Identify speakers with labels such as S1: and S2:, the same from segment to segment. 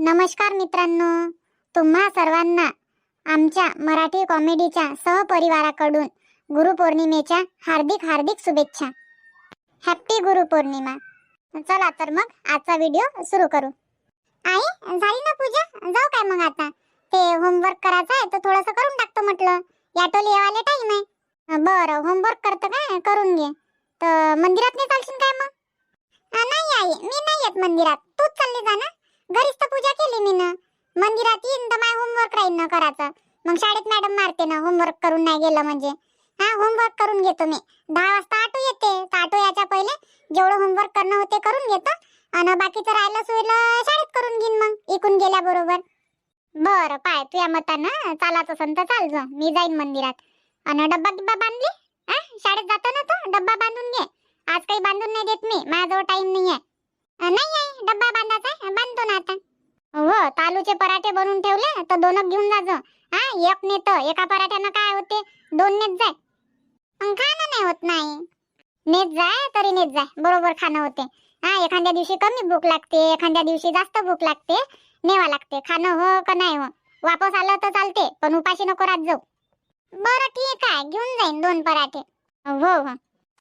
S1: नमस्कार मित्रांनो, तुम्हा सर्वांना आमच्या मराठी कॉमेडीच्या सहपरिवाराकडून गुरुपौर्णिमेच्या हार्दिक हार्दिक शुभेच्छा. हॅपी गुरुपौर्णिमा. चला तर मग आजचा व्हिडिओ सुरू करू. आई झाली ना पूजा? जाऊ काय मग आता? ते होमवर्क करायचं आहे तर थोडंसं करून टाकतो म्हटलं. याटोली येवाले टाइम आहे. बरं, होमवर्क करतं काय? करून घे. तर मंदिरात नाही चालशील काय मग? नाही आई, मी नाही येत मंदिरात. तूच चालली जा ना. घरीच तर पूजा केली मी ना. मंदिरात येईन तर माय होमवर्क राहील ना करायचं. मग शाळेत मॅडम मारते ना होमवर्क करून नाही गेलं म्हणजे. होमवर्क करून घेतो मी. 10 वाजता ऑटो येते. तर ऑटो याच्या पहिले जेवढं होमवर्क करणं होते करून घेतो आणि बाकीचं राहिलं सुईलं शाळेत करून घेईन मग इकून गेल्याबरोबर. बरं पाय, तुझ्या मतानं चालायचं असेल तर चाल जा. मी जाईन मंदिरात. आणि डब्बा गिब्बा बांधली? शाळेत जातो ना तो, डब्बा बांधून घे. आज काही बांधून नाही देत मी, माझ्याजवळ टाइम नाही आहे. नाही आहे, डब्बा बांधायचा बांधतो ना आता. हो, तालूचे पराठे बनवून ठेवले तर 2 घेऊन जाजो. एक नेत, एका पराठ्यानं काय होते, 2 नेत जाय. खाणं नाही होत नाही. नेत जाय तरी नेत जाय, बरोबर खाणं होते. एखाद्या दिवशी कमी भूक लागते, एखाद्या दिवशी जास्त भूक लागते, नेवा लागते. खाणं हो का नाही हो, वापस आलं तर चालते पण उपाशी नको राहत जाऊ. बरं ठीक आहे, घेऊन जाईन 2 पराठे. हो हो.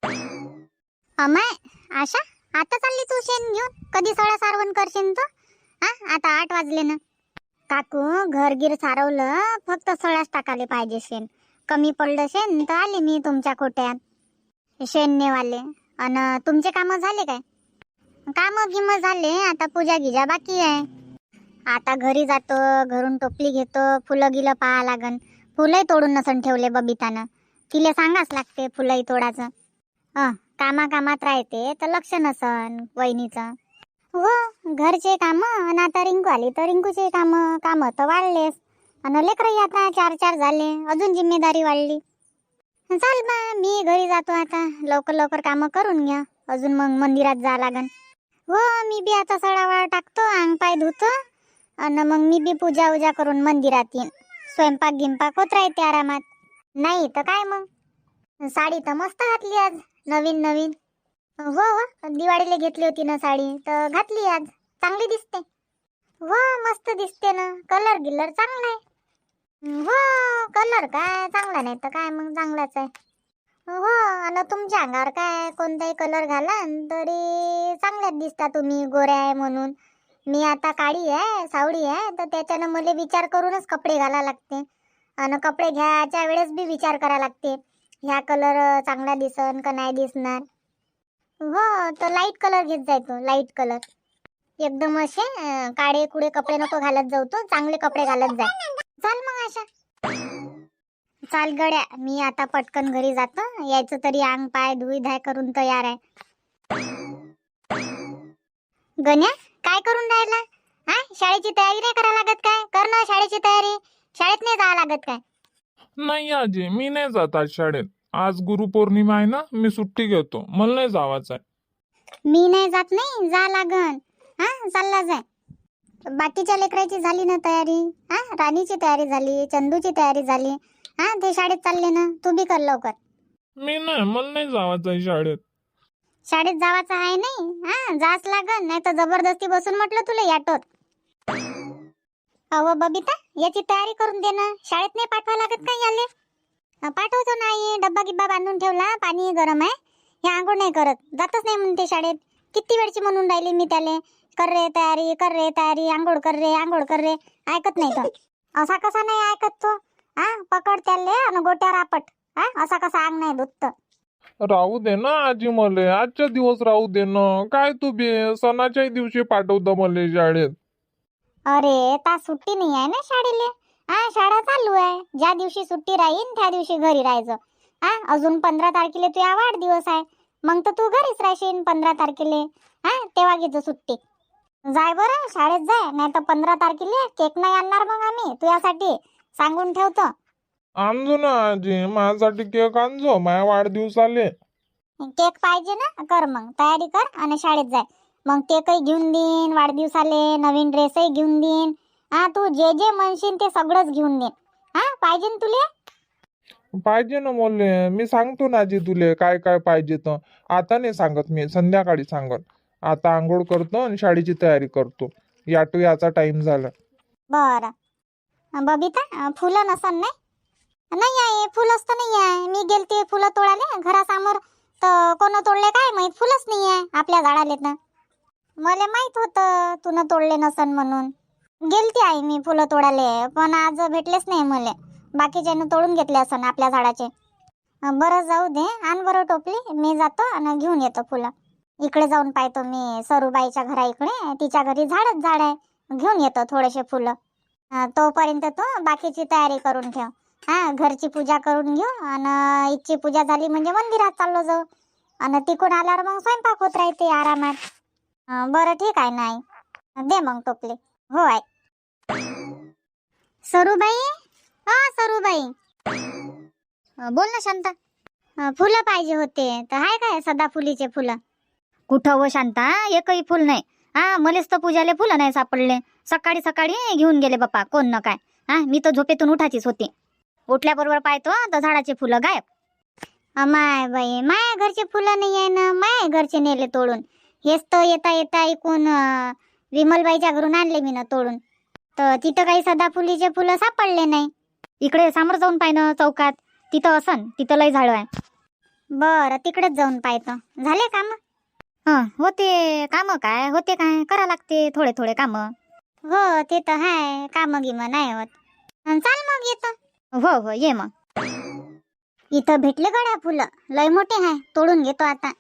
S1: अमाय आशा, आता चालली तू शेण घेऊन? कधी सळा सारवण करशील तू? आता 8 वाजले ना. काकू, घर गिर सारवलं, फक्त सळाच टाकाले पाहिजे शेण. कमी पडलं शेण तर आले मी तुमच्या कोट्यात शेण नेवाले. अन तुमचे काम झाले काय? काम गिम झाले, आता पूजा गिजा बाकी आहे. आता घरी जातो, घरून टोपली घेतो, फुलं गिलं पाहा लागन. फुलंही तोडून नसन ठेवले बबितानं. तिले सांगाच लागते फुलंही तोडाचं. कामात राहते तर लक्ष नसन वहिनीचं. हो, घरचे काम आणि आता रिंकू आली तर रिंकूचे काम तर वाढलेस. आणि लेकरही आता 4 झाले, अजून जिम्मेदारी वाढली. चाल बा, मी घरी जातो आता. लवकर लवकर काम करून घ्या, अजून मग मंदिरात जा लागन. हो, मी बी आता सडावाळ टाकतो, अंग पाय धुतो आणि मग मी बी पूजा उजा करून मंदिरात येईन. स्वयंपाक गिंपाक होत राहते आरामात. नाही तर काय मग. साडी तर मस्त घातली आज, नवीन नवीन. हो, दिवाळीला घेतली होती ना साडी, तर घातली आज. चांगली दिसते. हो, मस्त दिसते ना. कलर गिलर चांगला आहे. हो, कलर काय चांगला नाही तर काय मग, चांगलाच आहे. हो, आणि तुमच्या अंगावर काय कोणताही कलर घाला तरी चांगल्याच दिसता तुम्ही, गोऱ्या आहे म्हणून. मी आता काळी आहे, सावळी आहे, तर त्याच्यानं मला विचार करूनच कपडे घाला लागते. आणि कपडे घ्यायच्या वेळेस बी विचार करा लागते, ह्या कलर चांगला दिसन का नाही दिसणार. हो, तर लाईट कलर घेत जाय तो, लाईट कलर. एकदम असे काळे कुडे कपडे नको घालत जाऊ, तो चांगले कपडे घालत जाय. चाल मग आशा. चाल गड्या, मी आता पटकन घरी जातो. यायचं तरी अंग पाय धुई धाय करून तयार आहे. गण्या, काय करून राहिला? शाळेची तयारी नाही करा लागत काय? कर ना शाळेची तयारी. शाळेत नाही जावं लागत काय?
S2: नाही आजी, मी नाही जात आज शाळेत. आज गुरुपौर्णिमा आहे ना, मी सुट्टी घेतो, मला नाही जावाचं आहे.
S1: मी नाही जात नाही, जा लागन. चालला जाय. बाकीच्या लेकराची झाली ना तयारी? राणीची तयारी झाली, चंदूची तयारी झाली. ते शाळेत चालले ना, तू बी कर लवकर.
S2: मी नाही, मला नाही जावाचं आहे शाळेत.
S1: शाळेत जावाचं आहे नाही? जाच लागन, नाही तर जबरदस्ती बसून म्हटलं तुला याटोत. अहो बबिता, याची तयारी करून दे ना. शाळेत नाही पाठवा लागत काय याले? पाठवतो नाही, डब्बा गिब्बा बांधून ठेवला, पाणी गरम आहे. हे आंघोळ नाही करत, जातच नाही म्हणते शाळेत. किती वेळची म्हणून राहिली मी त्याले, कर रे तयारी, कर रे तयारी, आंघोळ कर रे, आंघोळ कर रे. ऐकत नाही तो. असा कसा नाही ऐकत तो? पकड त्याले आणि गोट्यावर आपट. असा कसा अंग नाही धुत.
S2: राहू दे ना आजी, मले आजच्या दिवस राहू दे ना. काय तू बी सणाच्याही दिवशी पाठवतं मले शाळेत.
S1: अरे, ता सुट्टी नाही आहे ना शाळेले. शाळा चालू आहे. ज्या दिवशी सुट्टी राहीन त्या दिवशी घरी राहायचं. अजून 15 तारखेला तुझा वाढदिवस आहे, मग तर तू घरीच राहशील 15 तारखेला. तेव्हा घेतो सुट्टी. जाय बरं, शाळेत जाय, नाही तर 15 तारखेला केक नाही आणणार मग आम्ही तुझ्यासाठी, सांगून ठेवतो.
S2: आणजो ना आजी, माझ्यासाठी केक आणजो, माझ्या वाढदिवसाले.
S1: केक पाहिजे ना, कर मग तयारी कर आणि शाळेत जाय. मग केकही घेऊन देईन वाढदिवसाले, नवीन ड्रेसही घेऊन देईन. तू जे जे म्हणशील ते सगळंच घेऊन देईन. पाहिजे ना तुले?
S2: पाहिजे ना मले, मी सांगतो ना आजी तुले काय काय पाहिजे तर. आता नाही सांगत, मी संध्याकाळी सांगत. आता आंघोळ करतो आणि शाळेची तयारी करतो. याटो याचा टाइम झाला.
S1: बरं बबिता फुलं नसन नाही आहे फुलंच तर नाही आहे. मी गेलते फुलं तोडाले घरासमोर तर कोण तोडले काय माहित फुलंच नाही आहे आपल्या झाडाले. तर मला माहित होतं तुनं तोडले नसन म्हणून गेलती आई मी फुलं तोडाले, पण आज भेटलेच नाही मला. बाकीच्यानं तोडून घेतले असन आपल्या झाडाचे. बरं जाऊ दे, आण बरं टोपली, मी जातो आणि घेऊन येतो फुलं. इकडे जाऊन पाहतो मी सरूबाईच्या घरा इकडे, तिच्या घरी झाडच झाड आहे, घेऊन येतो थोडेसे फुलं. तोपर्यंत तू बाकीची तयारी करून ठेव. घरची पूजा करून घेऊ आणि इथची पूजा झाली म्हणजे मंदिरात चाललो जाऊ आणि तिकडून आल्यावर मग स्वयंपाक होत राहते आरामात. बरं ठीक आहे ना आई, दे मग टोपली. हो आई. सरूबाई, सरूबाई, बोल ना शांता. फुलं पाहिजे होते तर हाय काय सदाफुलीचे फुलं?
S3: कुठं व शांता, एकही फुल नाही. मलेच तर पूजाले फुलं नाही सापडले. सकाळी सकाळी घेऊन गेले बाप्पा कोण न काय. मी तर झोपेतून उठाचीच होती. उठल्याबरोबर पाहतो तर झाडाचे फुलं गायब.
S1: माय बाई, माया घरचे फुलं नाही आहे ना, माया घरचे नेले तोडून. हेच तर येता येता ऐकून विमलबाईच्या घरून आणले मी ना तोडून. तर तिथं काही सदाफुलीचे फुलं सापडले नाही.
S3: इकडे समोर जाऊन पाय ना चौकात, तिथं असन, तिथं लय झाड आहे.
S1: बरं तिकडेच जाऊन पाहतो. झाले काम?
S3: होते काम, काय होते काय करा लागते थोडे थोडे काम.
S1: हो ते तर हाय, काम गिम नाही होत. चाल मग येतो.
S3: हो हो ये मग.
S1: इथं भेटले गड्या फुलं, लय मोठे आहे, तोडून घेतो आता.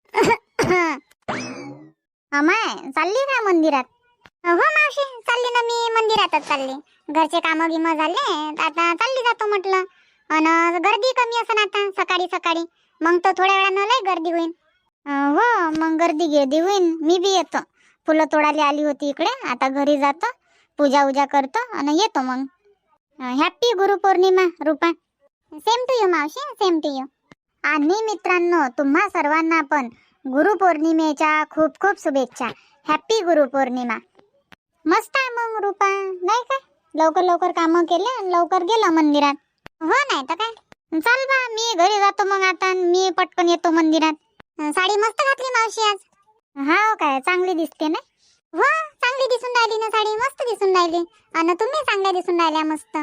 S1: अमाय चालली का मंदिरात? हो मावशी चालली ना, मी मंदिरातच चालली. घरचे काम गिम झाले, आता चालली जातो म्हटलं. आणि गर्दी कमी असन आता सकाळी सकाळी, मग तर थोड्या वेळानं लय गर्दी होईल. हो मग गर्दी होईल. मी बी येतो, फुलं तोडायला आली होती इकडे, आता घरी जातो, पूजा उजा करतो आणि येतो मग. Happy Gurupurnima Rupa. Same to you मावशी, सेम टू यू. आणि मित्रांनो तुम्हा सर्वांना पण गुरुपौर्णिमेच्या खूप खूप शुभेच्छा. हॅपी गुरुपौर्णिमा. मस्त आहे मग रूपा, नाही काय? लवकर लवकर कामं केले आणि लवकर गेलं मंदिरात. हो नाही तर काय. चाल बा, मी घरी जातो मग आता, मी पटकन येतो मंदिरात. साडी मस्त घातली मावशी आज. हा काय, चांगली दिसते ना? हो चांगली दिसून राहिली ना साडी, मस्त दिसून राहिली. आणि तुम्ही चांगल्या दिसून राहिल्या मस्त.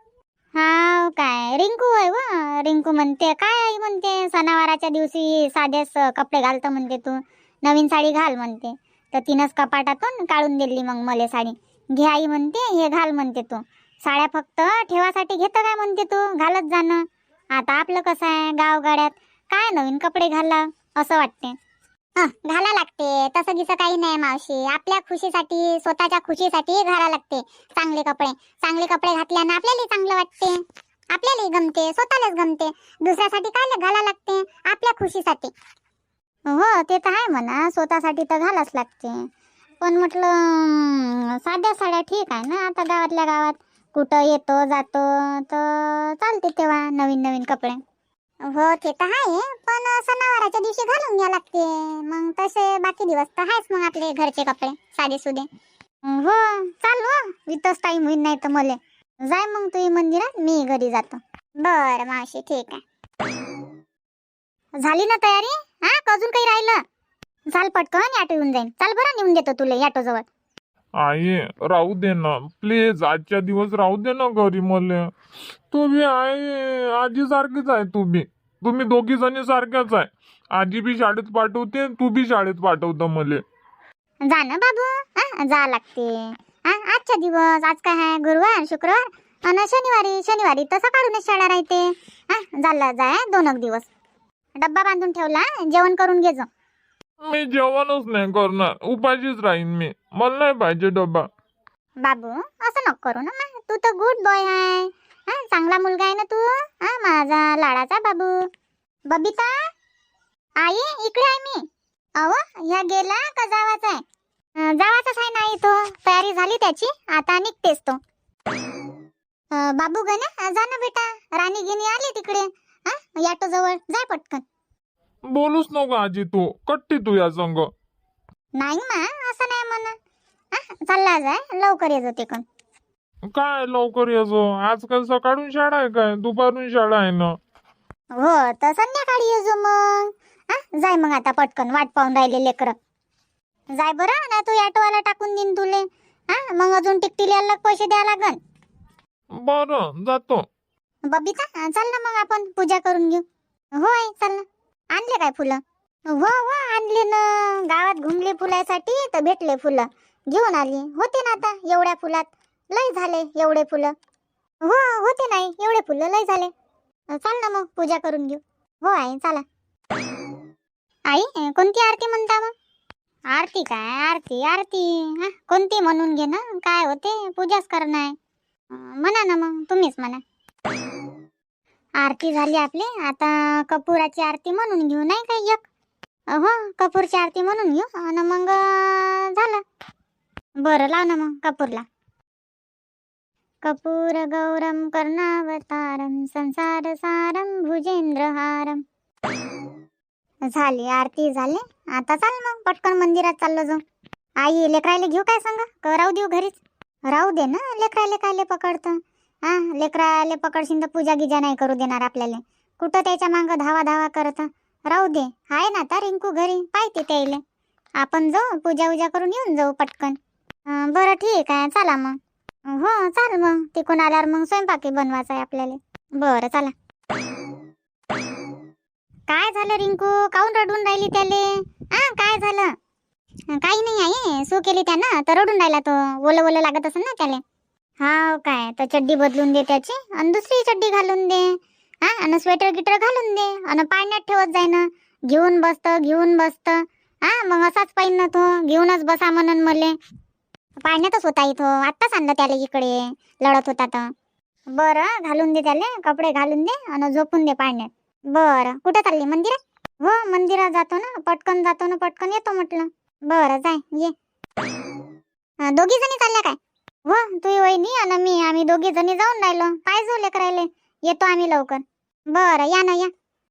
S1: हा काय, रिंकू आहे व रिंकू म्हणते काय आई म्हणते सणावाराच्या दिवशी साधेच कपडे घालतो म्हणते तू, नवीन साडी घाल म्हणते. तर तिनंच कपाटातून काढून दिली मग मला साडी. घे आई म्हणते, हे घाल म्हणते तू. साड्या फक्त ठेवासाठी घेतं काय म्हणते तू, घालत जाणं. आता आपलं कसं आहे गावगाड्यात, काय नवीन कपडे घाला असं वाटते. घाला लागते, तसं गिसं काही नाही मावशी. आपल्या खुशीसाठी, स्वतःच्या खुशीसाठी घाला लागते चांगले कपडे. चांगले कपडे घातल्यानं आपल्याला चांगलं वाटते, आपल्यालाही गमते, स्वतःलाच गमते. दुसऱ्यासाठी काय घाला लागते, आपल्या खुशीसाठी. हो ते तर आहे म्हणा, स्वतःसाठी तर घालाच लागते. पण म्हटलं साध्या साड्या ठीक आहे ना, आता गावातल्या गावात कुठं येतो जातो तर चालते तेव्हा नवीन नवीन कपडे. हो ते तर आहे, पण सणावाराच्या दिवशी घालून घ्या लागते. मग तसे बाकी दिवस तर आहेच मग आपले घरचे कपडे साधे सुधे. हो चाल हो, इथंच टाईम होईल नाही तर मले. जाय मग तू मंदिरात, मी घरी जातो. बरं मावशी ठीक आहे. झाली ना तयारी? अजून काही राहिलं? चाल पटकन, ऑटो येऊन जाईन. चाल बरं, नेऊन देतो तुला ऑटो जवळ.
S2: आई राहू दे ना प्लीज, आजच्या दिवस राहू दे ना घरी मले. तू बी आई आजी सारखीच आहे, तुम्ही दोघी जणी सारख्याच आहे. आजी बी शाळेत पाठवते, तू बी शाळेत पाठवतं मले.
S1: जा ना बाबू, जा लागते. आजचा दिवस, आज काय आहे, गुरुवार शुक्रवार आणि शनिवारी तर सकाळूनच शाळा राहते. झाला जाय 2 दिवस. डब्बा बांधून ठेवला, जेवण करून घे जा.
S2: मी जेवणच नाही करणार, उपाशीच राहीन मी. मला नाही पाहिजे डब्बा.
S1: बाबू असं नको करू ना, तू तर गुड बॉय आहे. चांगला मुलगा आहे ना तू, माझा लाडाचा बाबू. बबिता आई इकडे आहे मी. अहो ह्या गेला का जावाचा आहे? जावाचाच आहे नाही, तो तयारी झाली त्याची, आता निघतेस तो. बाबू गण्या जा ना बेटा, राणी गिनी आली तिकडे ऑटो जवळ, जाय पटकन.
S2: बोलूच नको आजी, तू कट्टी तू या संग.
S1: नाही मा असं नाही म्हणा. चालला जाय, लवकर ये जाते कोण.
S2: काय लवकर येजो, आजकाल सकाळून शाळा आहे काय, दुपारून शाळा आहे ना.
S1: हो तर संध्याकाळी ये जो मग. जाय मग आता पटकन, वाट पाहून राहिले लेकर. जाय बरं ना, तू ऑटोवाला टाकून देईन तुले. हा मग अजून टिकटीला अलग पैसे द्या लागन.
S2: बरं जातो.
S1: बबिता चल ना मग आपण पूजा करून घेऊ. होय चल ना. आणले काय फुलं? हो हो आणले ना. गावात घुमले फुलासाठी तर भेटले फुलं, घेऊन आली. होते ना आता एवढ्या फुलात, लय झाले एवढे फुलं. हो होते नाही एवढे फुलं, लय झाले. चाल ना मग पूजा करून घेऊ. हो आई चला. आई कोणती आरती म्हणता मग? आरती काय आरती आरती हा कोणती म्हणून घे ना, काय होते, पूजाच करणं आहे. म्हणा ना मग तुम्हीच म्हणा. आरती झाली आपली, आता कपुराची आरती म्हणून घेऊ नाही काय एक. हो कपूरची आरती म्हणून घेऊ आणि मग झालं. बरं लाव ना मग कपूरला. कपूर गौरम कर्णावतारम संसार सारम भुजेंद्रहारम. झाली आरती झाली. आता चाल मग पटकन मंदिरात चाललो जाऊ. आई लेकरायले घेऊ काय सांगा, का राहू देऊ घरीच? राहू दे ना, लेकरायले कायले पकडतं. हा लेकराले पकडशील तर पूजा गिजा नाही करू देणार आपल्याला. कुठं त्याच्या मागं धावा धावा करत. राहू दे, आहे ना आता रिंकू घरी, पाहिजे त्याले. आपण जाऊ पूजा उजा करून येऊन जाऊ पटकन. बरं ठीक आहे चला मग. हो चाल मग, तिकून आल्यावर मग स्वयंपाकी बनवायचा आहे आपल्याला. बरं चला. काय झालं रिंकू, काऊन रडून राहिली त्याले? काय झालं? काही नाही आहे, सू केली त्यानं तर रडून राहिला तो. ओलं ओलं लागत असेल ना त्याले. हा काय, तर चड्डी बदलून दे त्याची आणि दुसरी चड्डी घालून दे. हा आणि स्वेटर गिटर घालून दे आणि पाण्यात ठेवत जाय ना. घेऊन बसत. हा मग असाच पाहिजे ना तो, घेऊनच बसा म्हणून मले. पाण्यातच होता इथं, आत्ताच आणलं त्याला इकडे, लढत होता तर. बरं घालून दे त्याले, कपडे घालून दे आणि झोपून दे पाण्यात. बरं कुठं चालली, मंदिरात? हो मंदिरात जातो ना, पटकन जातो ना, पटकन येतो म्हटलं. बरं जाय ये. दोघी जणी चालल्या काय? हो तुही वहिनी आणि मी, आम्ही दोघी जणी जाऊन राहिलो. पाहिजे लेकरायले, येतो आम्ही लवकर. बरं या ना या.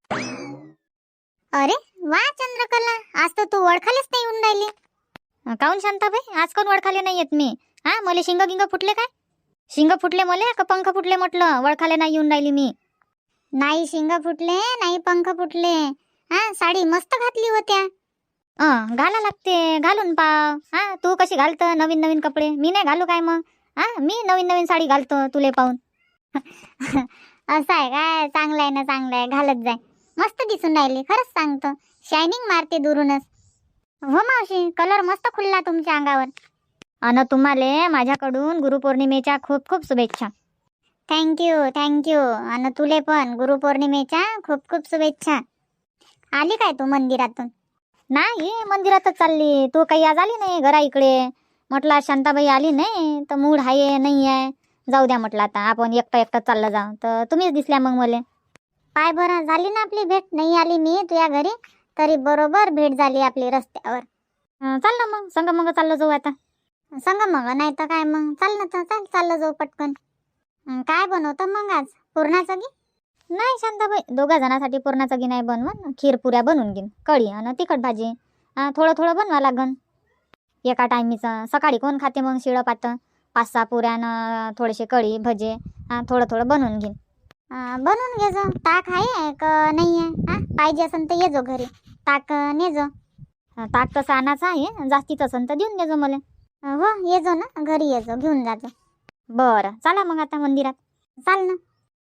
S1: अरे वा चंद्रकला, आज तर तू ओळखालेच नाही येऊन राहिली.
S3: काऊन शांताबाई, आज कोण वळखाले नाही येत मी? हा मले शिंग गिंग फुटले काय? शिंग फुटले मले का पंख फुटले म्हटलं, वळखाले नाही येऊन राहिली मी.
S1: नाही शिंग फुटले नाही पंख फुटले. हा साडी मस्त घातली होत्या.
S3: घाला लागते, घालून पाव. हा तू कशी घालत नवीन नवीन कपडे, मी नाही घालू काय मग? हा मी नवीन नवीन साडी घालतो तुले पाहून.
S1: असं आहे काय? चांगलं आहे ना, चांगलं आहे, घालत जाय. मस्त दिसून राहिली, खरंच सांगतो. शायनिंग मारते दुरूनच. हो मावशी, कलर मस्त खुलला तुमच्या अंगावर.
S3: अन तुम्हाला माझ्याकडून गुरुपौर्णिमेच्या खूप खूप शुभेच्छा.
S1: थँक्यू. आणि तुले पण गुरुपौर्णिमेच्या खूप खूप शुभेच्छा. आली काय तू मंदिरातून?
S3: नाही मंदिरातच चालली. तू काही आज आली नाही घरा इकडे. म्हटलं शांताबाई आली नाही तर मूड आहे नाही आहे, जाऊ द्या म्हटलं आता आपण एकटं चाललं जाऊ. तर तुम्हीच दिसल्या मग मला.
S1: पाय बरं झाली ना आपली भेट. नाही आली मी तुझ्या घरी तरी बरोबर भेट झाली आपली रस्त्यावर.
S3: चाल ना मग संग मग चाललं जाऊ आता.
S1: सांगा मग, नाही तर काय मग. चाल ना तर चाल, चाललं जाऊ पटकन. काय बनवतं मग आज, पुरणाचं की?
S3: नाही शांताबाई, दोघा जणांसाठी पुरणाचं गी नाही बनवून, खीर पुऱ्या बनवून घेईन, कढी आणि तिखट भाजी. थोडं थोडं बनवा लागन एका टायमीचं. सकाळी कोण खाते मग शिळं पातं? 5-6 पुऱ्यानं थोडेसे कढी भजे थोडं थोडं बनवून घेईन.
S1: बनवून घे जो. ताक आहे का नाही आहे? पाहिजे असेल तर ये जो घरी, ताक ने जो.
S3: ताक तसं आणायचं आहे, जास्तीच असेल तर देऊन देजो मला.
S1: हो ये जो ना घरी, ये जो घेऊन जाजो.
S3: बरं चला मग आता मंदिरात.
S1: चाल ना.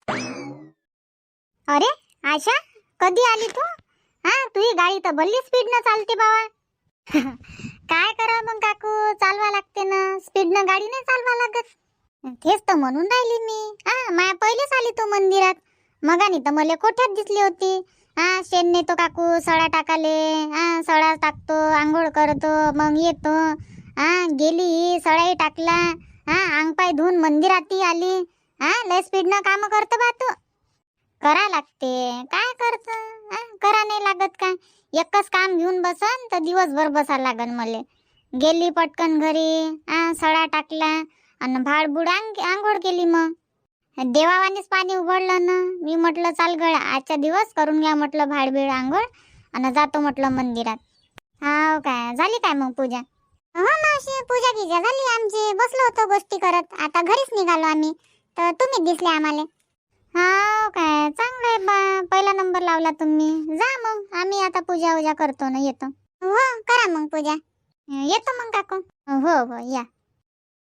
S1: अरे आशा, कधी आली तू? तुझी गाडी तर भल्ली स्पीडनं चालते बाबा. काय करा मग काकू, चालवा लागते ना, स्पीडनं गाडी नाही चालवा लागत. तेच तर म्हणून राहिली मी. माया पहिलेच आली तू मंदिरात. मगानी तर मला कोठ्यात दिसली होती. शेण नेतो काकू सळा टाकाले. सळा टाकतो, आंघोळ करतो, मग येतो. गेली सळाही टाकला. अंग पाय धुवून मंदिरातही आली. लय स्पीडनं काम करतो बा तू. करा लागते, काय करत? करा नाही लागत काय? एकच काम घेऊन बसन तर दिवसभर बसा लागन मले. गेली पटकन घरी, सळा टाकला आणि भाडबुड आंघोळ केली. मग देवावानीच पाणी उघडलं ना. मी म्हटलं चाल गळा आजच्या दिवस करून घ्या म्हटलं भाडबीड आंघोळ आणि जातो म्हटलं मंदिरात. हाव काय, झाली काय मग पूजा? हो मावशी, पूजा गिजा झाली आमची. बसलो होतो गोष्टी करत, आता घरीच निघालो आम्ही तर तुम्ही दिसले आम्हाला. हाव काय, चांगलं आहे बा, पहिला नंबर लावला तुम्ही. जा मग, आम्ही आता पूजा उजा करतो ना, येतो. हो करा मग पूजा. येतो मग काकू. हो या.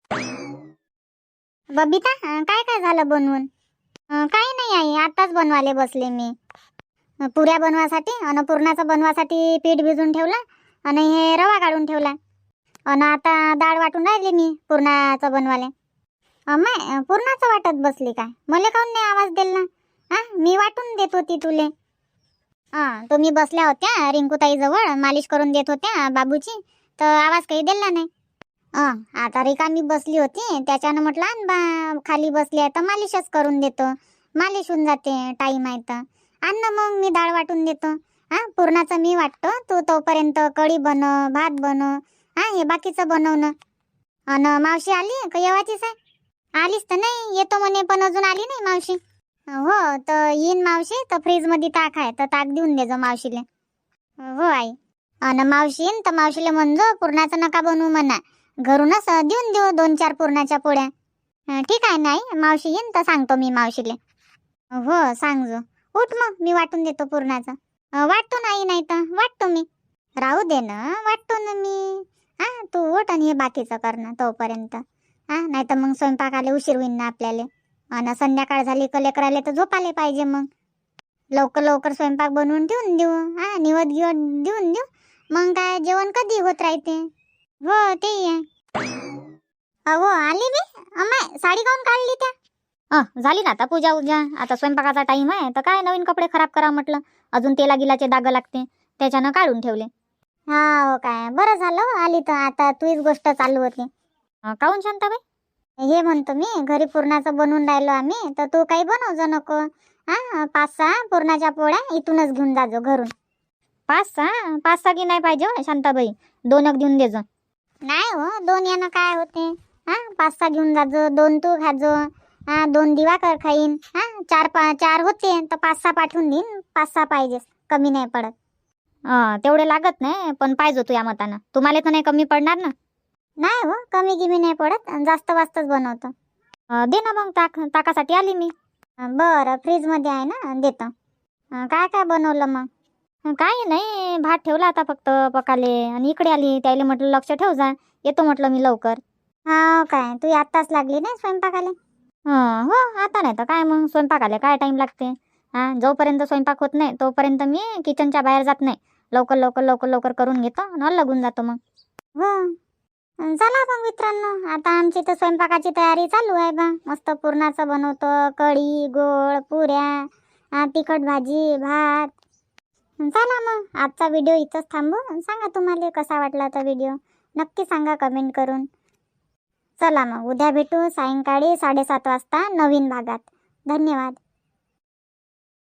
S1: बबिता काय काय झालं बनवून? काही नाही आई, आताच बनवायला बसले मी. पुऱ्या बनवासाठी अन पुरणाचं बनवासाठी पीठ भिजून ठेवला आणि हे रवा काढून ठेवला. अन आता डाळ वाटून राहिली मी पुरणाचं बनवाले. अम्मा पुरणाचं वाटत बसली काय? मला काऊन नाही आवाज दिला? हा, मी वाटून देत होती तुले. तुम्ही बसल्या होत्या रिंकूताई जवळ, मालिश करून देत होत्या बाबूची, तर आवाज काही दिला नाही. आता रिकामी बसली होती, त्याच्यानं म्हटलं आण बा, खाली बसली आहे तर मालिशच करून देतो, मालिश होऊन जाते, टाईम आहे तर. आण ना मग मी डाळ वाटून देतो. पुरणाचं मी वाटतो, तू तोपर्यंत कढी बनव, भात बनव, हे बाकीचं बनवणं. अन मावशी आली का येवाचीच आहे? आलीच तर नाही, येतो म्हणे पण अजून आली नाही मावशी. हो तर येईन मावशी, तर फ्रीज मध्ये ताक आहे तर ताक देऊन देजो मावशीले. हो आई. अन मावशी येईन तर मावशीले म्हणजो पुरणाचं नका बनवू म्हणा, घरूनच देऊन देऊ 2-4 पुरणाच्या पोळ्या. ठीक आहे नाही, मावशी येईन तर सांगतो मी मावशीले. हो सांगजो. उठ मग, मी वाटून देतो पुरणाचं. वाटतो नाही तर वाटतो मी. राहू दे ना, वाटतो ना मी. तू उठ आणि हे बाकीचं कर ना तोपर्यंत. नाही तर मग स्वयंपाकाला उशीर होईन ना आपल्याला. आणि संध्याकाळ झाली का लेकराले तर झोपाले पाहिजे. मग लवकर लवकर स्वयंपाक बनवून ठेवून देऊ, निवत गिवत देऊन देऊ, मग काय जेवण कधी होत राहते. हो ते आहे. हो आली मी. अम्मा साडी काऊन काढली त्या?
S3: झाली ना आता पूजा उजा, आता स्वयंपाकाचा टाइम आहे तर काय नवीन कपडे खराब करा म्हटलं, अजून तेला गिलाचे डाग लागते, त्याच्यानं काढून ठेवले.
S1: हो काय, बरं झालं आली तर. आता तुझीच गोष्ट चालू होती.
S3: काहून शांताबाई?
S1: हे म्हणतो मी, घरी पुरणाचं बनवून राहिलो आम्ही, तर तू काही बनवजो नको. 5-6 पुरणाच्या पोळ्या इथूनच घेऊन जाजो घरून.
S3: 5-6 की नाही पाहिजे हो शांताबाई, 2 देऊन देजो.
S1: नाही हो, 2 यानं काय होते. 5-6 घेऊन जाजो, 2 तू खाजो, 2 दिवाकर खाईन. 4 होते तर 5-6 पाठवून देईन. 5-6 पाहिजे, कमी नाही पडत.
S3: तेवढे लागत नाही, पण पाहिजे तू या मतानं, तुम्हाला तर नाही कमी पडणार ना?
S1: नाही हो, कमी गिमी नाही पडत, जास्त वास्तच बनवतो.
S3: दे ना मग ताकासाठी आली मी.
S1: बरं, फ्रीज मध्ये आहे ना, देतो. काय काय बनवलं मग?
S3: काही नाही, भात ठेवला आता फक्त पकाले, आणि इकडे आली, त्याला म्हटलं लक्ष ठेव जा, येतो म्हटलं मी लवकर.
S1: काय तू आत्ताच लागली नाही स्वयंपाकाला?
S3: हो आता नाही तर काय, मग स्वयंपाकाला काय टाइम लागते. जोपर्यंत स्वयंपाक होत नाही तोपर्यंत मी किचनच्या बाहेर जात नाही, लवकर लवकर लवकर लवकर करून घेतो आणि लागून जातो मग.
S1: हो चला मग मित्रांनो, आता आमची तर स्वयंपाकाची तयारी चालू आहे बा. मस्त पुरणाचं बनवतो, कढी, गोळ, पुऱ्या, तिखट भाजी, भात. चला मग आजचा व्हिडिओ इथंच थांबू. सांगा तुम्हाला कसा वाटला तो व्हिडिओ, नक्की सांगा कमेंट करून. चला मग उद्या भेटू सायंकाळी 7:30 वाजता नवीन भागात. धन्यवाद.